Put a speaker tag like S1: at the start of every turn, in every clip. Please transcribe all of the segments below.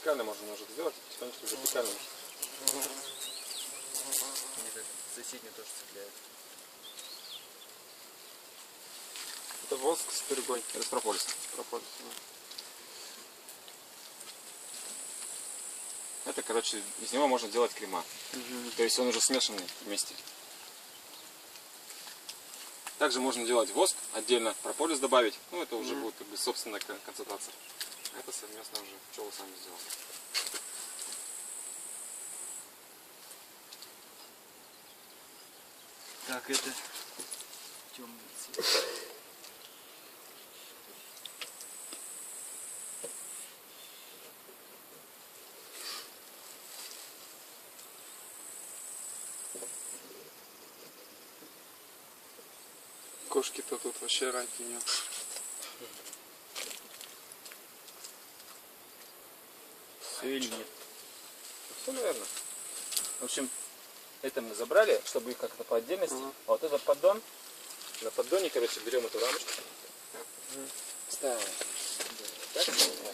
S1: вертикально можно немножко сделать, потихонечку вертикально.
S2: Соседний тоже цепляет.
S1: Это воск с перегой. Это прополис.
S3: Прополис,
S1: Это, короче, из него можно делать крема. То есть он уже смешанный вместе. Также можно делать воск, отдельно прополис добавить. Ну, это уже будет как бы собственная концентрация. Это совместно уже пчелы сами сделали.
S2: Так, это темный цвет.
S3: Кошки-то тут вообще раки нет.
S2: Все или нет?
S1: Все, наверное. В общем, это мы забрали, чтобы их как-то по отдельности. А вот этот поддон, на поддоне, короче, берем эту рамочку. Ставим. Так,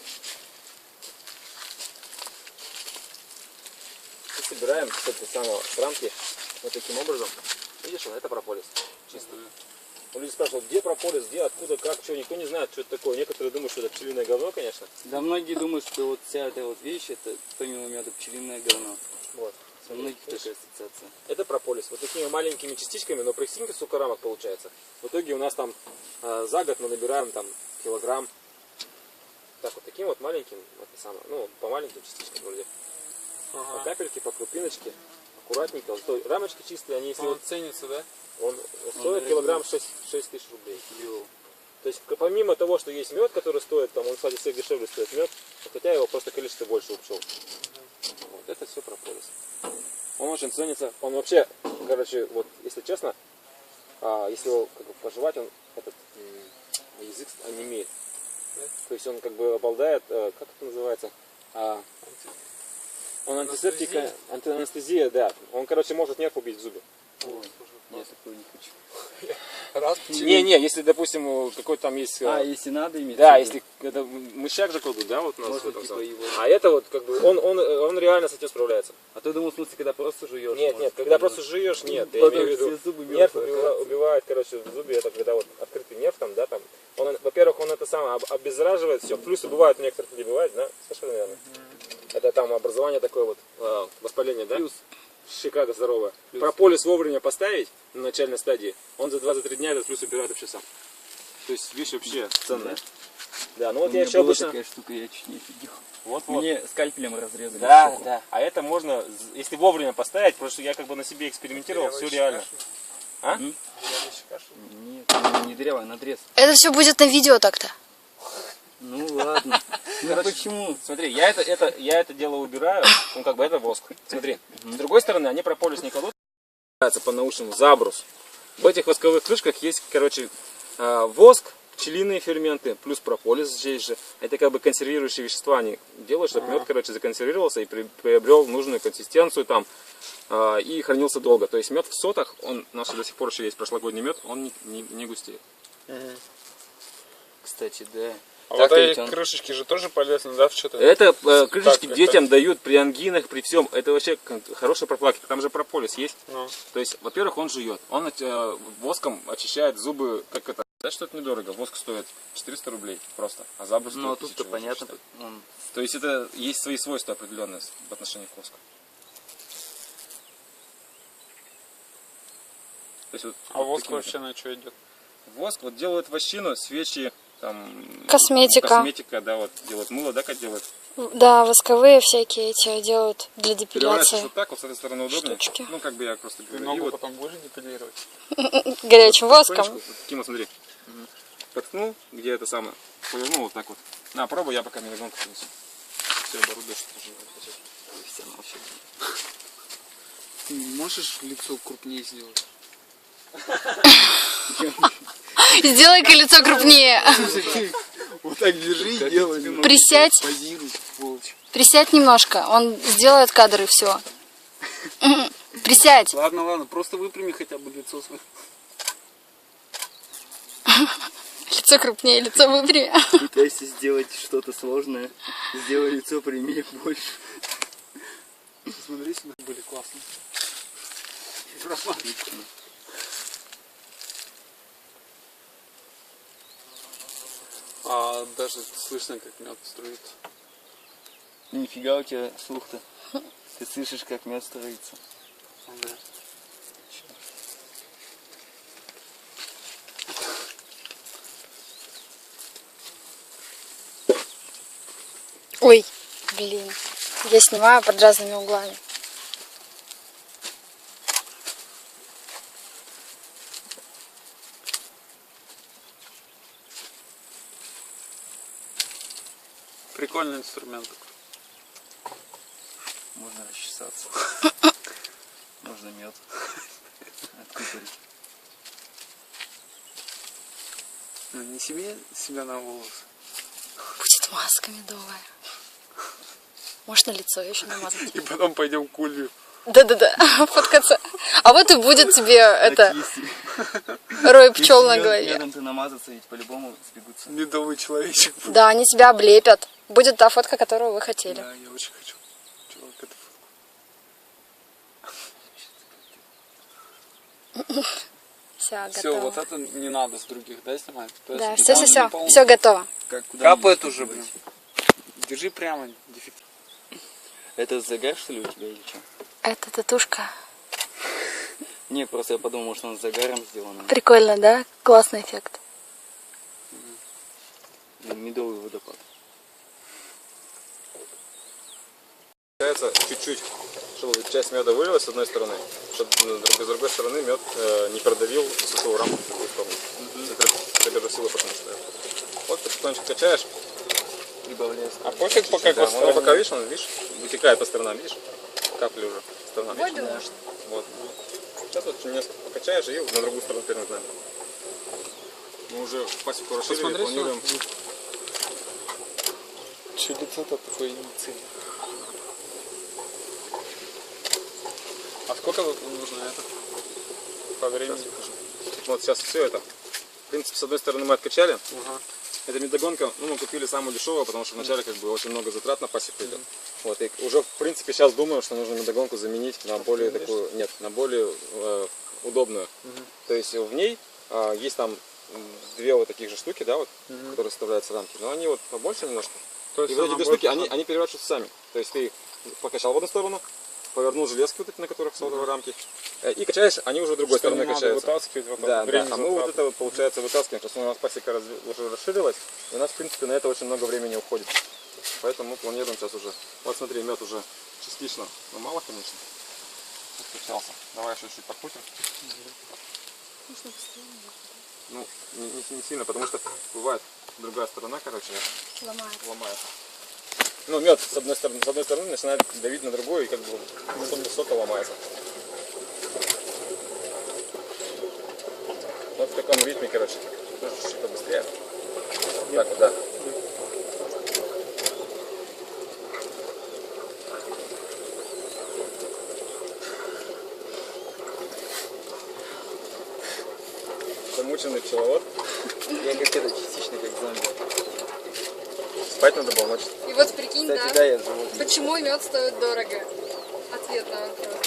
S1: и собираем с этой самой рамки вот таким образом. Видишь, это прополис чистый. Люди спрашивают, где прополис, где, откуда, как, что, никто не знает, что это такое. Некоторые думают, что это пчелиное говно, конечно.
S2: Да, многие думают, что вот вся эта вот вещь, это помимо меда пчелиное говно.
S1: Вот.
S2: У многих такая ассоциация.
S1: Это прополис. Вот такими маленькими частичками, но прикиньте, сколько рамок получается. В итоге у нас там за год мы набираем там килограмм. Так вот таким вот маленьким, это самое, ну, по маленьким частичкам вроде. По капельке, по крупиночке, аккуратненько. Вот той рамочки чистые, они если вот
S3: ценится, да?
S1: он стоит килограмм 6 тысяч рублей. То есть помимо того, что есть мед, который стоит, там он, кстати, всех дешевле стоит мед, хотя его просто количество больше у пчел. Вот это все прополис. Он очень ценится. Он вообще, короче, вот если честно, если его как бы пожевать, он этот язык онемеет. То есть он как бы обладает, как это называется? Он антисептика, антианестезия, да. Он, короче, может нерв убить в зубе.
S2: Я такого не хочу.
S1: Не, если, допустим, какой-то там есть...
S2: если надо иметь.
S1: Да, если это мышьяк же кладут, да, вот у нас
S2: можно,
S1: в этом
S2: типа,
S1: самом.
S2: его...
S1: А это вот как бы он реально с этим справляется.
S2: А ты думал, в смысле, когда просто жуешь?
S1: Нет, когда просто жуешь, нет. Я
S2: Потом
S1: имею в виду,
S2: все зубы
S1: нерв
S2: мертвые.
S1: убивает, короче, в зубе, это когда вот открытый нерв там, да, там. Он, во-первых, он это самое обеззараживает все. Плюсы бывают у некоторых людей, бывает, да? Слышали, наверное? Это там образование такое вот, воспаление, да?
S2: Плюс.
S1: Шикарно здоровое. Прополис вовремя поставить на начальной стадии, он за 2-3 дня этот плюс убирает вообще сам. То есть вещь вообще ценная. Да, ну вот я еще обычно...
S2: такая штука, я чуть не офигел.
S1: Вот.
S2: Мне скальпелем разрезали.
S1: Да, да. А это можно, если вовремя поставить, потому что я как бы на себе экспериментировал, все реально. А?
S2: Нет, не дырявый, надрез.
S4: Это все будет на видео так-то.
S2: Ну ладно. Ну почему?
S1: Смотри, я это дело убираю, ну как бы это воск. Смотри, с другой стороны, они прополис не кладут, по-научному забрус. В этих восковых крышках есть, короче, воск, пчелиные ферменты, плюс прополис здесь же. Это как бы консервирующие вещества, они делают, чтобы мед, короче, законсервировался и приобрел нужную консистенцию там и хранился долго. То есть мед в сотах, он наш до сих пор еще есть прошлогодний мед, он не густеет.
S2: Кстати, да.
S3: А вот эти крышечки же тоже полезны, да, в что-то?
S1: Это крышечки детям дают при ангинах, при всем. Это вообще хорошая профилактика. Там же прополис есть. То есть, во-первых, он жует. Он воском очищает зубы, как это. Да, что это недорого. Воск стоит 400 рублей просто. А забрус стоит 1000.
S2: Ну, тут-то понятно.
S1: То есть, это есть свои свойства определенные в отношении к воску. То есть, вот,
S3: а воск вообще на что идет?
S1: Воск вот делают вощину, свечи, там...
S4: Косметика,
S1: да, вот делают мыло, да, как делают?
S4: Да, восковые всякие эти делают для депиляции.
S1: Вот так, вот с этой стороны удобнее.
S4: Штучки.
S1: Ну, как бы я просто говорю.
S3: Ногу
S1: вот
S3: потом будешь депилировать?
S4: Горячим воском.
S1: Вот таким вот, смотри. Проткнул, где это самое, повернул вот так вот. На, пробуй, я пока мелизонку принесу. Все, оборудуешь.
S3: Ты можешь лицо крупнее сделать?
S4: Сделай-ка лицо крупнее.
S3: Вот так держи и делай.
S4: Присядь.
S3: Позируй, сволочь.
S4: Присядь немножко. Он сделает кадр и все. Присядь.
S3: Ладно, просто выпрями хотя бы лицо свое.
S4: лицо крупнее, лицо выпрями.
S2: Пытайся сделать что-то сложное. Сделай лицо прямее больше.
S3: Смотри сюда, были классные. А даже слышно, как мед струится.
S2: Нифига у тебя слух-то. Ты слышишь, как мед строится.
S3: Ага.
S4: Ой, блин. Я снимаю под разными углами.
S3: Прикольный инструмент.
S2: Можно расчесаться. Можно мед откупорить.
S3: Ну, не себя на волосы.
S4: Будет маска медовая. Может, на лицо еще намазать.
S3: И потом пойдем к Улью.
S4: Да-да-да, фоткаться. А вот и будет тебе это
S2: Если
S4: рой пчел на голове.
S2: медом ты намазаться, ведь по-любому сбегутся.
S3: Медовый человечек.
S4: Да, они тебя облепят. Будет та фотка, которую вы хотели.
S3: Да, я очень хочу. Чувак, это
S4: Все,
S3: все,
S4: готово.
S3: вот это не надо с других, да, снимать?
S4: Да,
S3: Подожди, там
S4: все,
S3: не полный.
S4: все готово.
S2: Как, куда
S3: Капает
S2: мне
S3: уже,
S2: девать?
S3: блин. Держи прямо, дефект.
S2: Это загар, что ли, у тебя или что?
S4: Это татушка.
S2: Не, просто я подумал, может, он с загаром сделан.
S4: Прикольно, да? Классный эффект.
S2: Медовый водопад.
S1: Получается чуть-чуть, чтобы часть меда вылилась с одной стороны, чтобы с другой стороны мед не продавил высокую рамку в другую сторону. Центробежную силу потому что. Вот потихонечку качаешь.
S2: Прибавляешь.
S3: А пофиг пока
S1: Да, он пока видишь, он видишь, вытекает по сторонам, видишь? Капли уже по сторонам. видишь? Вот. Сейчас вот несколько покачаешь и на другую сторону перемотаем. Мы уже пасеку расширили,
S3: Посмотри
S1: планируем.
S3: Че лицо-то такое инициальное? А сколько вот нужно это? По времени?
S1: Вот сейчас все это. В принципе, с одной стороны мы откачали.
S3: Ага.
S1: Эта медогонка, ну, мы купили самую дешевую, потому что вначале как бы очень много затрат на пасеку идет. Вот, и уже, в принципе, сейчас думаю, что нужно медогонку заменить на более такую, нет, на более удобную. То есть в ней есть там две вот таких же штуки, да, вот, которые вставляются в рамки, но они вот побольше немножко.
S3: То
S1: И
S3: есть
S1: вот эти
S3: она
S1: две штуки,
S3: больше-
S1: они переворачиваются сами. То есть ты покачал в одну сторону, повернул железки вот эти, на которых сотовые рамки, и качаешь, они уже с другой
S3: Что не
S1: стороны
S3: надо
S1: качаются.
S3: вытаскивать, вот
S1: Да, да.
S3: время
S1: А мы вот
S3: затрат.
S1: это вот, получается, вытаскиваем. Просто у нас пасека уже расширилась, и у нас, в принципе, на это очень много времени уходит. Поэтому мы планируем сейчас уже. Вот смотри, мед уже частично, но мало, конечно. Откачался. Давай еще чуть подкрутим. Ну, не сильно, потому что бывает другая сторона, короче, ломается. Ну, мед с одной стороны начинает давить на другую, и как бы сока ломается. Вот в таком ритме, короче. Нужно чуть-чуть побыстрее. Так вот, да. Замученный пчеловод.
S2: Я как это, частично как зомби.
S1: Спать надо было ночью.
S4: И вот прикинь,
S2: Кстати, да, я живу.
S4: почему мед стоит дорого? Ответ на вопрос.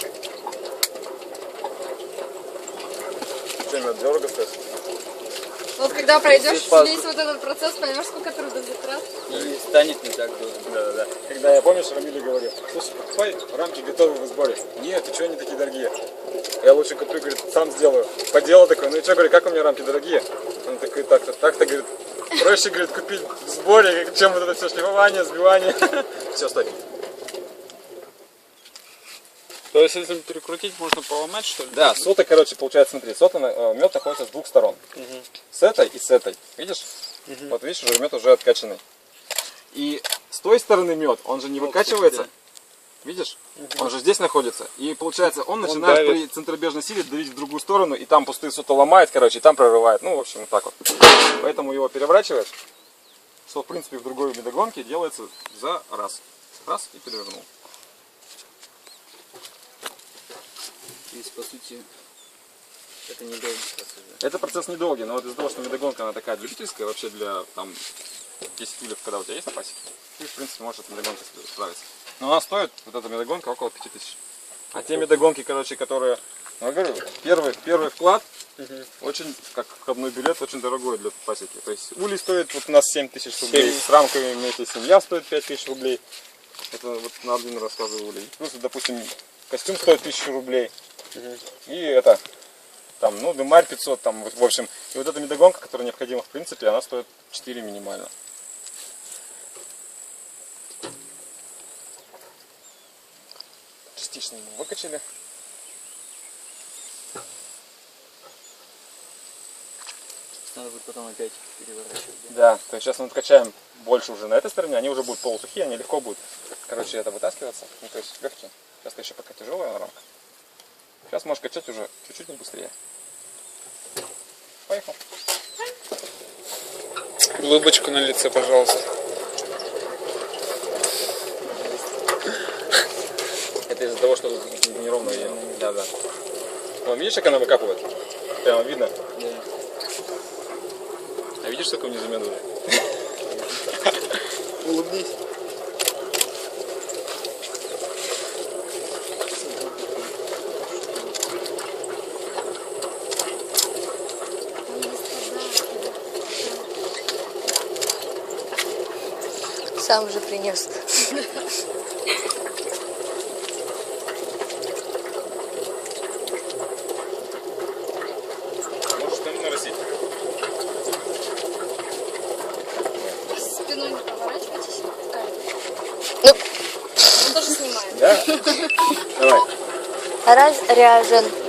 S1: Что, мед дорого стоит?
S4: Вот когда пройдешь
S2: Если
S4: весь вот этот процесс, поймешь, сколько трудозатрат.
S2: И станет не так дорого.
S1: Да. Когда я, помнишь, Рамиле говорил, слушай, покупай, рамки готовы в сборе. Нет, ты что, они такие дорогие? Я лучше куплю, говорит, сам сделаю. Поделал такой, ну и что, говорит, как у меня рамки дорогие? Он такой, так-то, говорит, проще, говорит, купить в сборе, чем вот это все шлифование, сбивание. Все, стой.
S3: То есть, если перекрутить, можно поломать, что ли?
S1: Да, сота, короче, получается, смотри, сота, мед находится с двух сторон. С этой и с этой. Видишь? Вот видишь, уже мед уже откачанный. И с той стороны мед, он же не выкачивается. Видишь? Он же здесь находится. И получается, он начинает
S3: давит.
S1: при центробежной силе давить в другую сторону, и там пустые сота ломает, короче, и там прорывает. Ну, в общем, вот так вот. Поэтому его переворачиваешь, что, в принципе, в другой медогонке делается за раз. Раз и перевернул.
S2: То есть, по сути, Это не долгий процесс, да?
S1: Это процесс недолгий, но вот из-за того, что медогонка она такая любительская, вообще для там 10 ульев, когда у тебя есть на пасеке, ты в принципе можешь этой медогонкой справиться. Но она стоит, вот эта медогонка, около 5000. А те медогонки, короче, которые, ну, я говорю, первый вклад, очень, как входной билет, очень дорогой для пасеки. То есть улей стоит вот у нас 7000 рублей, с рамками вместе семья стоит 5000 рублей. Это вот на один рассказываю улей. Плюс, допустим, костюм стоит 1000 рублей. И это, там, ну, дымарь 500, там, в общем. И вот эта медогонка, которая необходима в принципе, она стоит 4 минимально. Частично мы выкачали.
S2: Надо будет потом опять переворачивать.
S1: Да, то есть сейчас мы откачаем больше уже на этой стороне, они уже будут полусухие, они легко будут, короче, это вытаскиваться. Ну, то есть легкие. Сейчас еще пока тяжелая рамка. Сейчас можешь качать уже чуть-чуть быстрее. Поехал.
S3: Улыбочку на лице, пожалуйста.
S1: Это из-за того, что неровно ее. Да, да. Вон, видишь, как она выкапывает? Прямо видно.
S2: Да.
S1: А видишь, сколько внизу меду?
S3: Улыбнись.
S4: Сам же принес.
S1: Можешь там нарастить.
S4: Спиной не поворачивайтесь. Ну, он тоже снимает.
S1: Да? Давай.
S4: Разряжен.